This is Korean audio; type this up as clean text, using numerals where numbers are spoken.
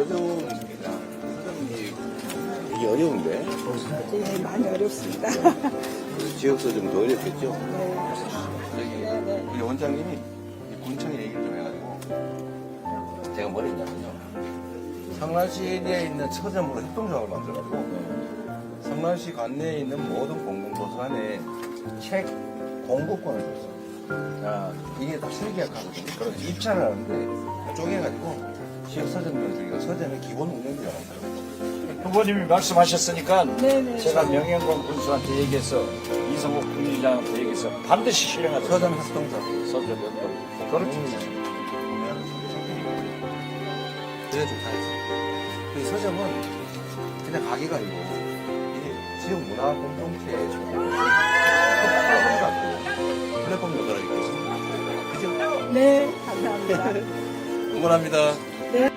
서점이 되게 어려운데? 네, 많이 어렵습니다. 지역 서점도 어렵겠죠? 네. 저기 우리 원장님이 군청에 얘기를 좀 해가지고 제가 뭘 했냐면요. 성남시 에리아에 있는 서점으로 협동조합을 만들어가지고 성남시 관내에 있는 모든 공공도서관에 책 공급권을 줬어요. 자, 이게 다 실계약하거든요. 그래서 입찰을 하는데 쪼개가지고 지역 서점들 중에 서점의 기본 운영비가 나온다고. 후보님이 말씀하셨으니까 네네. 제가 명예공 군수한테 얘기해서 이성욱 군의장한테 얘기해서 반드시 실행하도록 서점 협동사. 서점 협동. 그렇죠. 그래 좀 잘했어요. 그 서점은 그냥 가게가 아니고 이게 지역 문화 공동체의 플랫폼 역할을 하고 있습니다. 그죠? 네, 감사합니다. 응원합니다. 네.